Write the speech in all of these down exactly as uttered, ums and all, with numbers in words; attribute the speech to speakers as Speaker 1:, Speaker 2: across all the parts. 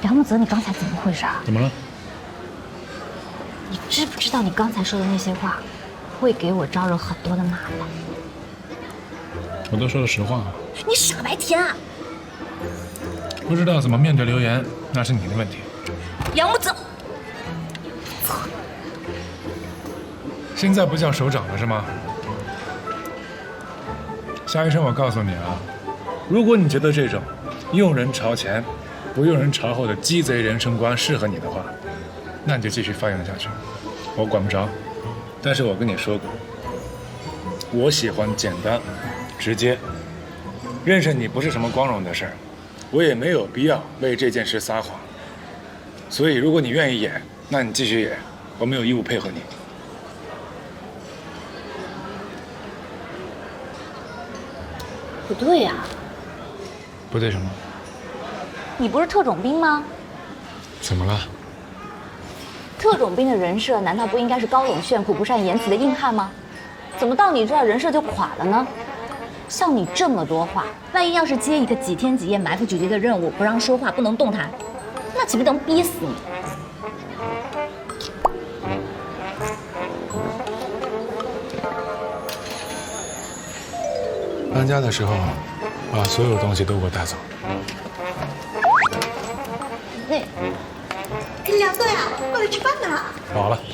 Speaker 1: 梁木泽，你刚才怎么回事啊？
Speaker 2: 怎么了？
Speaker 1: 你知不知道你刚才说的那些话，会给我招惹很多的麻烦？
Speaker 2: 我都说了实话。
Speaker 1: 你傻白甜啊！
Speaker 2: 不知道怎么面对流言，那是你的问题。
Speaker 1: 梁木泽，
Speaker 2: 现在不叫首长了是吗？夏医生，我告诉你啊，如果你觉得这种用人朝前，不用人朝后的鸡贼人生观适合你的话，那你就继续发扬下去，我管不着。但是我跟你说过，我喜欢简单、直接。认识你不是什么光荣的事儿，我也没有必要为这件事撒谎。所以，如果你愿意演，那你继续演，我没有义务配合你。
Speaker 1: 不对呀、啊，
Speaker 2: 不对什么？
Speaker 1: 你不是特种兵吗？
Speaker 2: 怎么了？
Speaker 1: 特种兵的人设难道不应该是高冷炫酷、不善言辞的硬汉吗？怎么到你这儿人设就垮了呢？像你这么多话，万一要是接一个几天几夜埋伏狙击的任务，不让说话，不能动弹，那岂不能逼死你？
Speaker 2: 搬家的时候，把所有东西都给我带走。
Speaker 1: 那，
Speaker 3: 你俩对啊，过来吃饭呢。
Speaker 2: 饱了。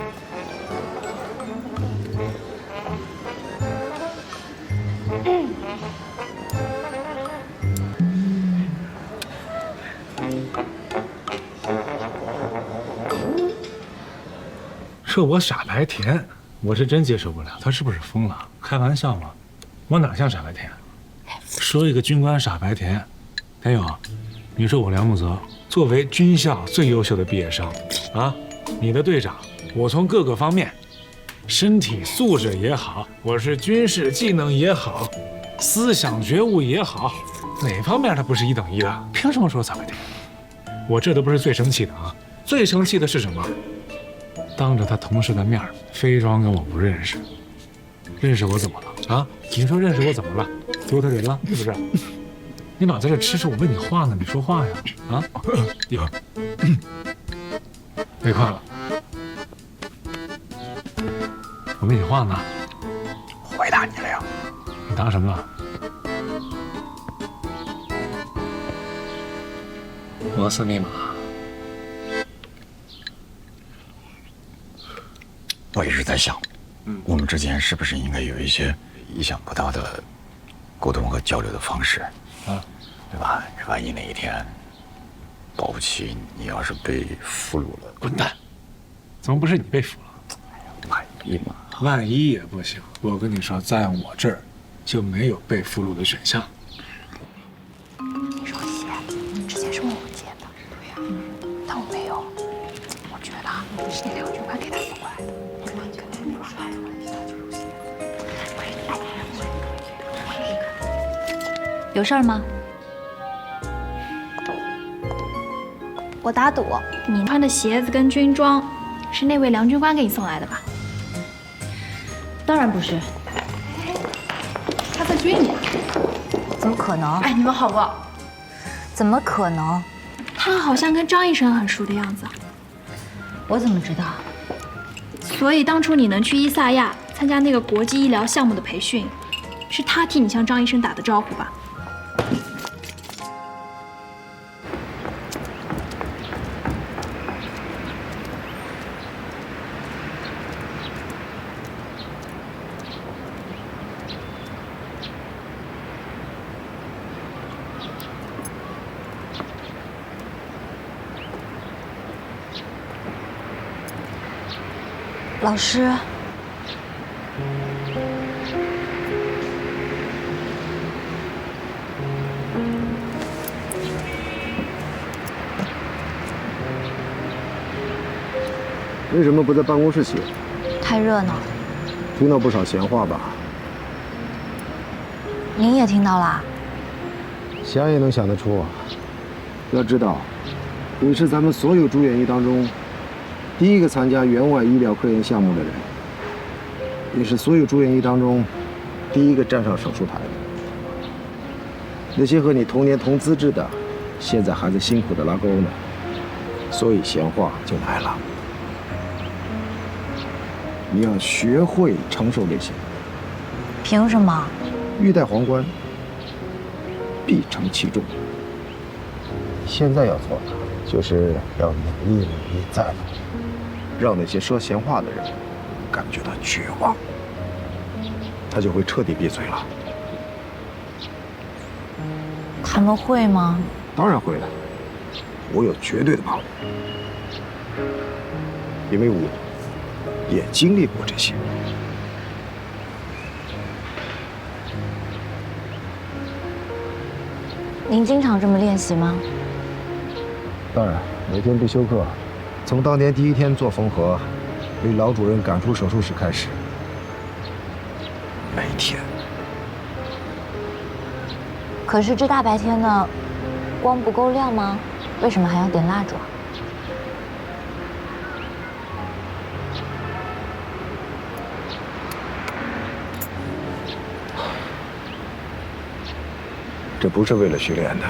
Speaker 2: 说我傻白甜，我是真接受不了。他是不是疯了？开玩笑吗？我哪像傻白甜？说一个军官傻白甜，田勇，你说我梁木泽作为军校最优秀的毕业生啊，你的队长，我从各个方面，身体素质也好，我是军事技能也好，思想觉悟也好，哪方面他不是一等一的？凭什么说傻白甜？我这都不是最生气的啊，最生气的是什么？当着他同事的面非装跟我不认识，认识我怎么了啊？你说认识我怎么了？丢他人了是不是？你老在这吃吃，我问你话呢，你说话呀啊！一会儿，别快了，我问你话呢。
Speaker 4: 回答你了呀？
Speaker 2: 你答什么了？摩斯密码。
Speaker 4: 我一直在想，我们之间是不是应该有一些意想不到的沟通和交流的方式啊，对吧？万一哪一天，保不齐你要是被俘虏了，
Speaker 2: 滚蛋！怎么不是你被俘了？
Speaker 4: 万一嘛？
Speaker 2: 万一也不行。我跟你说，在我这儿就没有被俘虏的选项。
Speaker 3: 你说鞋之前是我接的，对呀、嗯，但我没有。我觉得啊，是那两句话给他送过来的。
Speaker 1: 有事儿吗？
Speaker 3: 我打赌，你穿的鞋子跟军装是那位梁军官给你送来的吧？
Speaker 1: 当然不是，
Speaker 3: 他在追你。
Speaker 1: 怎么可能？
Speaker 3: 哎，你们好不好？
Speaker 1: 怎么可能？
Speaker 3: 他好像跟张医生很熟的样子。
Speaker 1: 我怎么知道？
Speaker 3: 所以当初你能去伊萨亚参加那个国际医疗项目的培训，是他替你向张医生打的招呼吧？
Speaker 1: 老师，
Speaker 5: 为什么不在办公室写？
Speaker 1: 太热闹了。
Speaker 5: 听到不少闲话吧？
Speaker 1: 您也听到啦？
Speaker 5: 想也能想得出啊。要知道，你是咱们所有住院医当中第一个参加援外医疗科研项目的人，也是所有住院医当中第一个站上手术台的。那些和你同年同资质的，现在还在辛苦的拉钩呢。 所以闲话就来了，你要学会承受这些。
Speaker 3: 凭什么？
Speaker 5: 欲戴皇冠，必承其重。现在要做的就是要努力努力再努力，让那些说闲话的人感觉到绝望，他就会彻底闭嘴了。
Speaker 3: 他们会吗？
Speaker 5: 当然会了，我有绝对的把握，因为我也经历过这些。
Speaker 3: 您经常这么练习吗？
Speaker 5: 当然，每天不休课，从当年第一天做缝合，被老主任赶出手术室开始，每天。
Speaker 3: 可是这大白天的，光不够亮吗？为什么还要点蜡烛啊？
Speaker 5: 这不是为了训练的，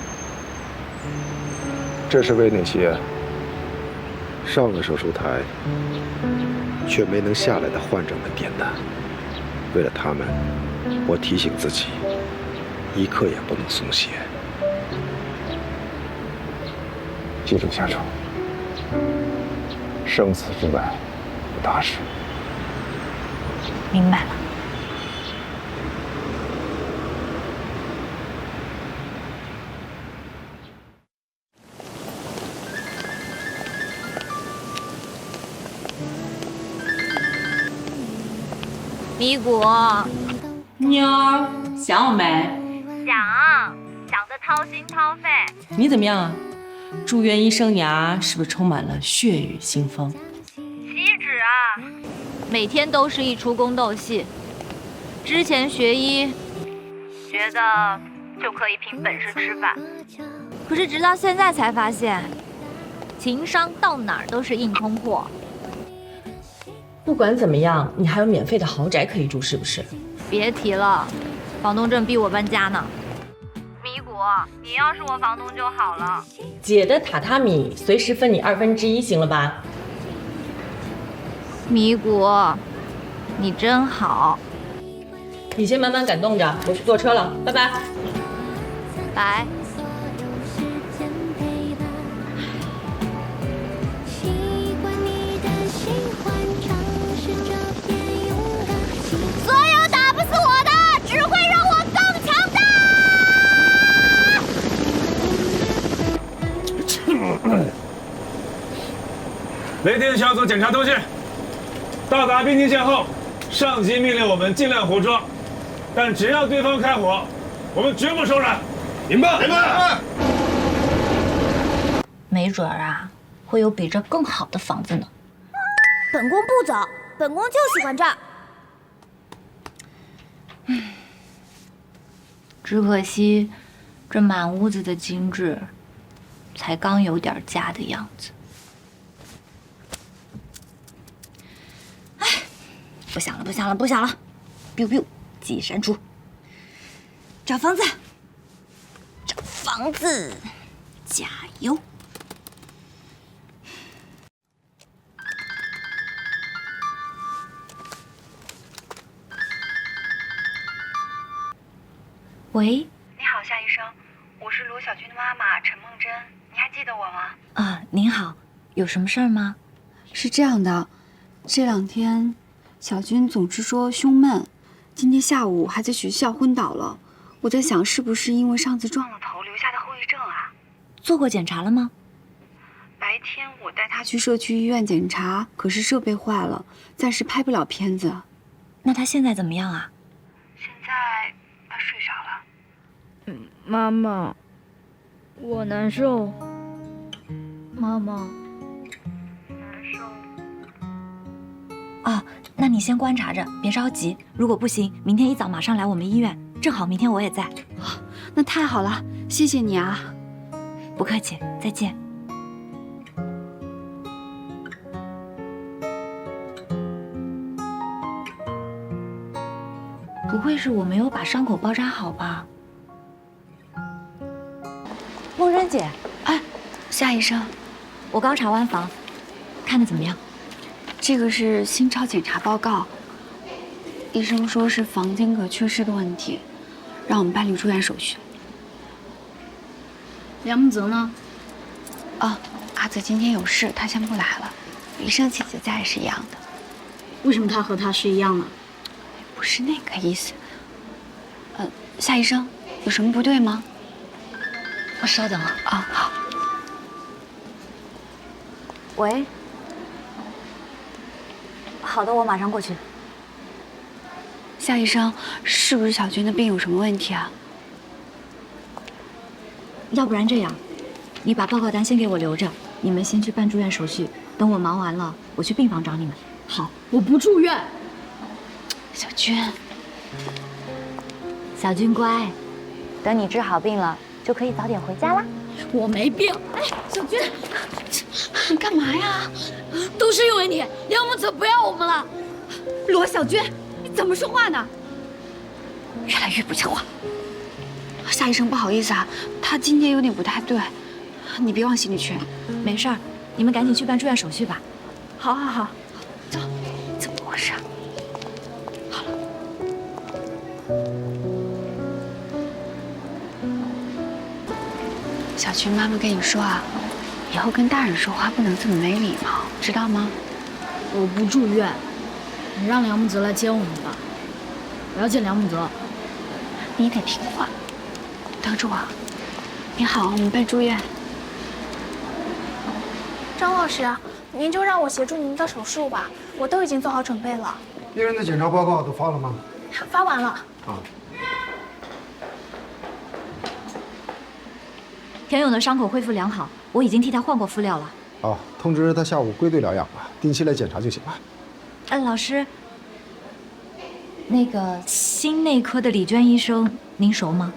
Speaker 5: 这是为那些上了手术台却没能下来的患者们点的。为了他们，我提醒自己，一刻也不能松懈。记住，夏楚，生死之外无大事。
Speaker 3: 明白了。
Speaker 1: 米谷，
Speaker 6: 妞儿想我没？
Speaker 1: 想想得掏心掏肺。
Speaker 6: 你怎么样啊？住院医生涯是不是充满了血雨腥风？
Speaker 1: 岂止啊！每天都是一出宫斗戏。之前学医，觉得就可以凭本事吃饭，可是直到现在才发现，情商到哪儿都是硬通货。
Speaker 6: 不管怎么样，你还有免费的豪宅可以住，是不是？
Speaker 1: 别提了，房东正逼我搬家呢。米谷，你要是我房东就好了。
Speaker 6: 姐的榻榻米随时分你二分之一，行了吧？
Speaker 1: 米谷，你真好。
Speaker 6: 你先慢慢感动着，我去坐车了，拜拜。
Speaker 1: 拜。所有打不死我的，只会让我更强大。
Speaker 2: 雷霆小组检查通讯，到达滨京线后，上级命令我们尽量活捉，但只要对方开火，我们绝不手软。明白？明白。
Speaker 1: 没准儿啊，会有比这更好的房子呢。
Speaker 7: 本宫不走，本宫就喜欢这儿。
Speaker 1: 只可惜，这满屋子的精致，才刚有点家的样子。哎，不想了，不想了，不想了 ！biu biu， 记忆删除。找房子，找房子，加油！喂，
Speaker 8: 你好，夏医生，我是卢小军的妈妈陈梦真，你还记得我吗？
Speaker 1: 啊，您好，有什么事儿吗？
Speaker 9: 是这样的，这两天小军总是说胸闷，今天下午还在学校昏倒了。我在想，是不是因为上次撞了头留下的后遗症啊？
Speaker 1: 做过检查了吗？
Speaker 9: 白天我带他去社区医院检查，可是设备坏了，暂时拍不了片子。
Speaker 1: 那他现在怎么样啊？
Speaker 8: 现在他睡着了。
Speaker 7: 嗯，妈妈，我难受。妈妈，
Speaker 8: 难受。
Speaker 1: 哦，那你先观察着，别着急。如果不行，明天一早马上来我们医院，正好明天我也在。
Speaker 9: 哦，那太好了，谢谢你啊。
Speaker 1: 不客气，再见。不会是我没有把伤口包扎好吧？
Speaker 3: 梦真姐，
Speaker 9: 哎，夏医生，
Speaker 1: 我刚查完房，看的怎么样？
Speaker 9: 这个是心超检查报告，医生说是房间隔缺失的问题，让我们办理住院手续。
Speaker 7: 梁木泽呢？
Speaker 9: 啊，阿泽今天有事，他先不来了。李胜姐姐在也是一样的。
Speaker 7: 为什么他和他是一样的？
Speaker 9: 不是那个意思。呃，夏医生，有什么不对吗？
Speaker 1: 我稍等啊。
Speaker 9: 啊，好。
Speaker 1: 喂。好的，我马上过去。
Speaker 9: 夏医生，是不是小军的病有什么问题啊？
Speaker 1: 要不然这样，你把报告单先给我留着，你们先去办住院手续。等我忙完了，我去病房找你们。
Speaker 7: 好，我不住院。
Speaker 9: 小军，
Speaker 1: 小军乖，等你治好病了，就可以早点回家啦。
Speaker 7: 我没病。哎，小军，
Speaker 9: 你干嘛呀？
Speaker 7: 都是因为你，梁木泽不要我们了。
Speaker 9: 罗小军，你怎么说话呢？越来越不像话。夏医生，不好意思啊，他今天有点不太对，你别往心里去。
Speaker 1: 没事儿，你们赶紧去办住院手续吧。
Speaker 9: 好，好，好，走。怎么回事？好了。小军，妈妈跟你说啊，以后跟大人说话不能这么没礼貌，知道吗？
Speaker 7: 我不住院，你让梁木泽来接我们吧。我要见梁木泽。
Speaker 9: 你得听话。等着我。你好，我们办住院。
Speaker 10: 张老师，您就让我协助您的手术吧，我都已经做好准备了。
Speaker 5: 病人的检查报告都发了吗？
Speaker 10: 发完了。
Speaker 5: 啊。
Speaker 1: 田勇的伤口恢复良好，我已经替他换过敷料了。
Speaker 5: 好，通知他下午归队疗养吧，定期来检查就行了。
Speaker 1: 嗯，老师，那个心内科的李娟医生，您熟吗？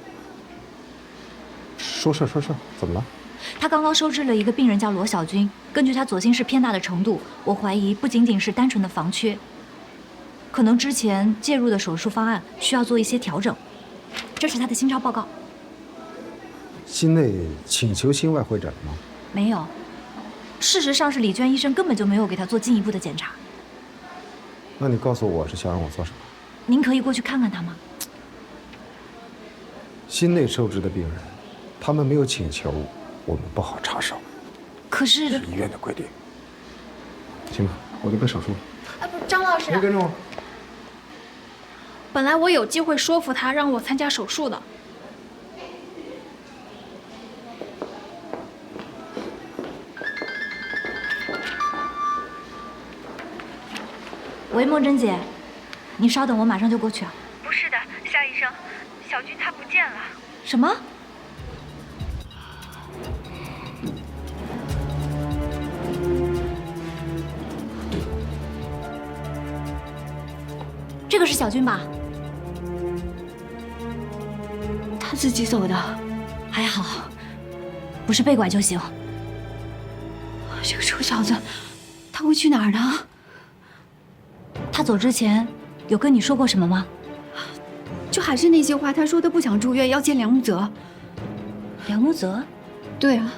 Speaker 5: 说事说事，怎么了？
Speaker 1: 他刚刚收治了一个病人，叫罗小军。根据他左心室偏大的程度，我怀疑不仅仅是单纯的房缺，可能之前介入的手术方案需要做一些调整。这是他的心超报告。
Speaker 5: 心内请求心外会诊了吗？
Speaker 1: 没有。事实上是李娟医生根本就没有给他做进一步的检查。
Speaker 5: 那你告诉我是想让我做什么？
Speaker 1: 您可以过去看看他吗？
Speaker 5: 心内受治的病人，他们没有请求，我们不好插手。
Speaker 1: 可是
Speaker 5: 是医院的规定。行吧，我就办手术了。
Speaker 10: 啊不，张老师，
Speaker 5: 别跟着我。
Speaker 10: 本来我有机会说服他让我参加手术的。
Speaker 1: 喂，梦真姐，你稍等，我马上就过去啊。
Speaker 8: 不是的，夏医生，小军他不见了。
Speaker 1: 什么？这个是小军吧？
Speaker 9: 他自己走的，
Speaker 1: 还好，不是被拐就行。
Speaker 9: 这个臭小子，他会去哪儿呢？
Speaker 1: 他走之前有跟你说过什么吗？
Speaker 9: 就还是那些话，他说他不想住院，要见梁木泽。
Speaker 1: 梁木泽？
Speaker 9: 对啊。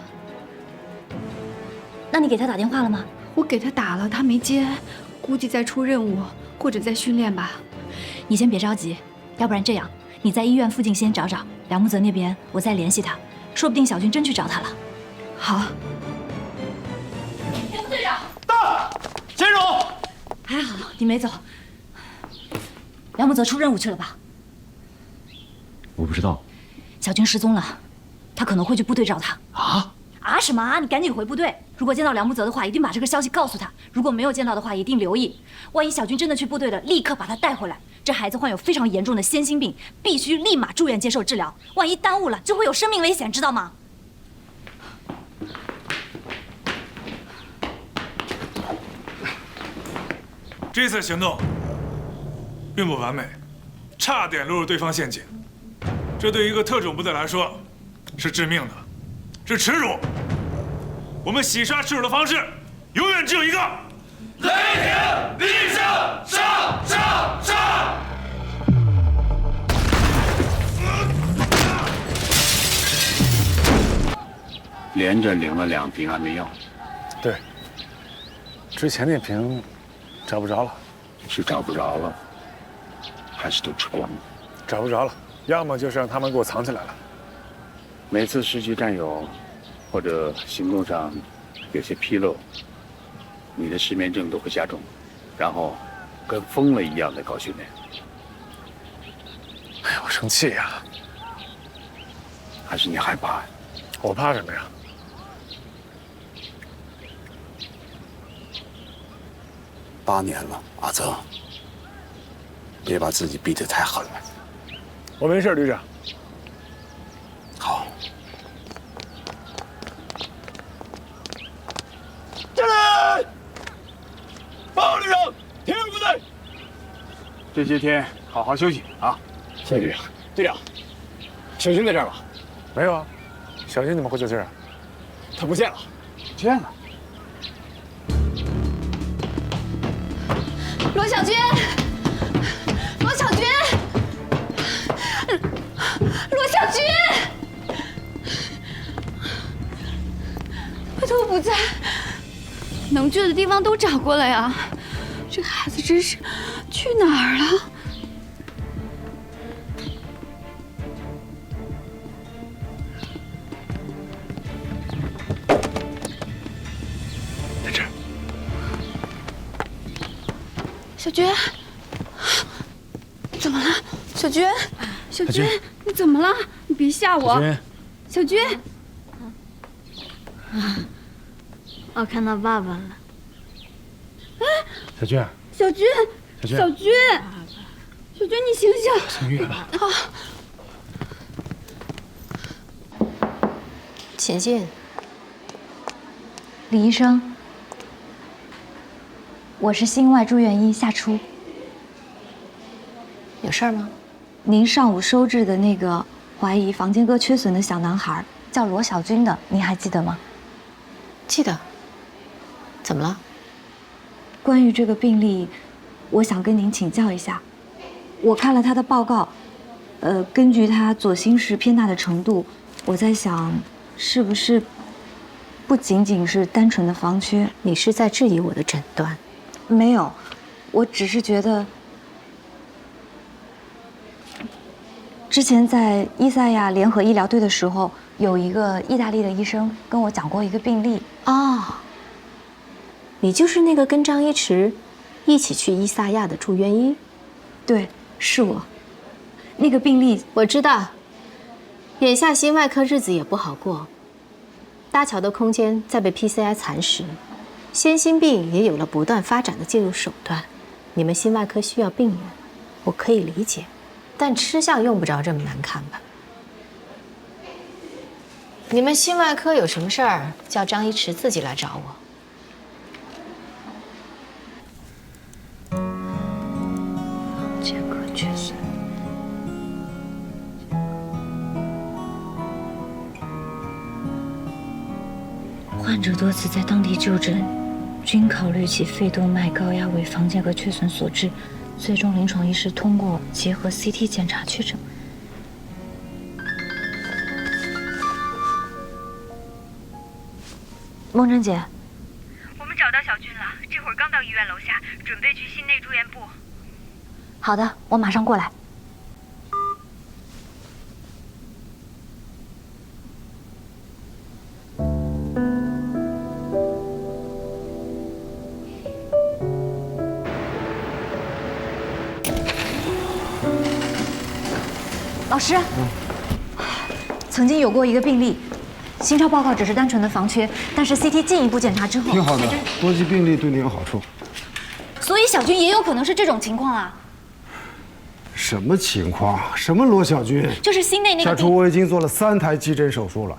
Speaker 1: 那你给他打电话了吗？
Speaker 9: 我给他打了，他没接，估计在出任务或者在训练吧。
Speaker 1: 你先别着急，要不然这样，你在医院附近先找找梁木泽那边，我再联系他，说不定小军真去找他了。
Speaker 9: 好。
Speaker 11: 田副队长，到，先生。
Speaker 1: 还好你没走。梁木泽出任务去了吧？
Speaker 11: 我不知道。
Speaker 1: 小军失踪了，他可能会去部队找他。
Speaker 11: 啊？
Speaker 1: 啊什么啊！你赶紧回部队。如果见到梁木泽的话，一定把这个消息告诉他；如果没有见到的话，一定留意。万一小军真的去部队了，立刻把他带回来。这孩子患有非常严重的先心病，必须立马住院接受治疗。万一耽误了，就会有生命危险，知道吗？
Speaker 2: 这次行动并不完美，差点落入对方陷阱。这对于一个特种部队来说是致命的，是耻辱。我们洗刷耻辱的方式永远只有一个：雷霆厉声上上上！
Speaker 4: 连着领了两瓶安眠药，
Speaker 2: 对，之前那瓶找不着了，
Speaker 12: 是找不着了，还是都抽了？
Speaker 2: 找不着了，要么就是让他们给我藏起来了。
Speaker 12: 每次失去战友，或者行动上有些纰漏，你的失眠症都会加重，然后跟疯了一样的搞训练。
Speaker 2: 哎呀，我生气呀！
Speaker 12: 还是你害怕呀？
Speaker 2: 我怕什么呀？
Speaker 12: 八年了，阿泽，别把自己逼得太狠了。
Speaker 2: 我没事，旅长。
Speaker 12: 好。
Speaker 11: 进来！报告旅长，田园部队。
Speaker 12: 这些天好好休息啊！
Speaker 11: 谢谢旅长。队长，小军在这儿吗？
Speaker 2: 没有啊，小军怎么会在这儿？
Speaker 11: 他不见了。
Speaker 12: 不见了。
Speaker 9: 罗小军，罗小军，罗小军，他都不在，能去的地方都找过了呀，这孩子真是去哪儿了？
Speaker 2: 在这儿。
Speaker 9: 小军，怎么了？小军，小军，你怎么了？你别吓我。小军，
Speaker 7: 啊，我看到爸爸了。
Speaker 9: 哎，
Speaker 2: 小军，
Speaker 9: 小军，
Speaker 2: 小军，
Speaker 9: 小军，小军，你醒醒！
Speaker 2: 醒月了。
Speaker 9: 啊！
Speaker 3: 请进。
Speaker 1: 李医生。我是心外住院医夏初，
Speaker 3: 有事儿吗？
Speaker 1: 您上午收治的那个怀疑房间歌缺损的小男孩叫罗小军的，您还记得吗？
Speaker 3: 记得。怎么了？
Speaker 1: 关于这个病例，我想跟您请教一下。我看了他的报告，呃，根据他左心室偏大的程度，我在想，是不是不仅仅是单纯的房缺？
Speaker 3: 你是在质疑我的诊断？
Speaker 1: 没有，我只是觉得，之前在伊赛亚联合医疗队的时候，有一个意大利的医生跟我讲过一个病例。
Speaker 3: 哦，你就是那个跟张一驰一起去伊萨亚的住院医？
Speaker 1: 对，是我。那个病例
Speaker 3: 我知道，眼下心外科日子也不好过，搭桥的空间在被 P C I 蚕食。先心病也有了不断发展的介入手段，你们心外科需要病人，我可以理解，但吃相用不着这么难看吧？你们心外科有什么事儿，叫张一驰自己来找我。
Speaker 1: 房间歌缺损。患者多次在当地就诊，均考虑其肺动脉高压为房间隔缺损所致，最终临床医师通过结合 C T 检查确诊。梦真姐，
Speaker 8: 我们找到小军了，这会儿刚到医院楼下，准备去心内住院部。
Speaker 1: 好的，我马上过来。老师，嗯、曾经有过一个病例，心超报告只是单纯的房缺，但是 C T 进一步检查之后，
Speaker 5: 挺好的，多记病例对你有好处。
Speaker 1: 所以小军也有可能是这种情况啊。
Speaker 5: 什么情况？什么罗小军？
Speaker 1: 就是心内那个。
Speaker 5: 夏初，我已经做了三台急诊手术了，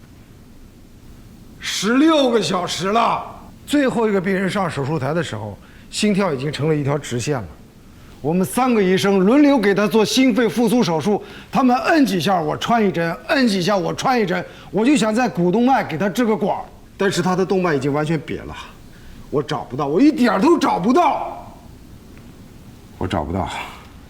Speaker 5: 十六个小时了。最后一个病人上手术台的时候，心跳已经成了一条直线了。我们三个医生轮流给他做心肺复苏手术，他们摁几下我穿一针，摁几下我穿一针，我就想在股动脉给他支个管，但是他的动脉已经完全瘪了，我找不到，我一点都找不到，我找不到。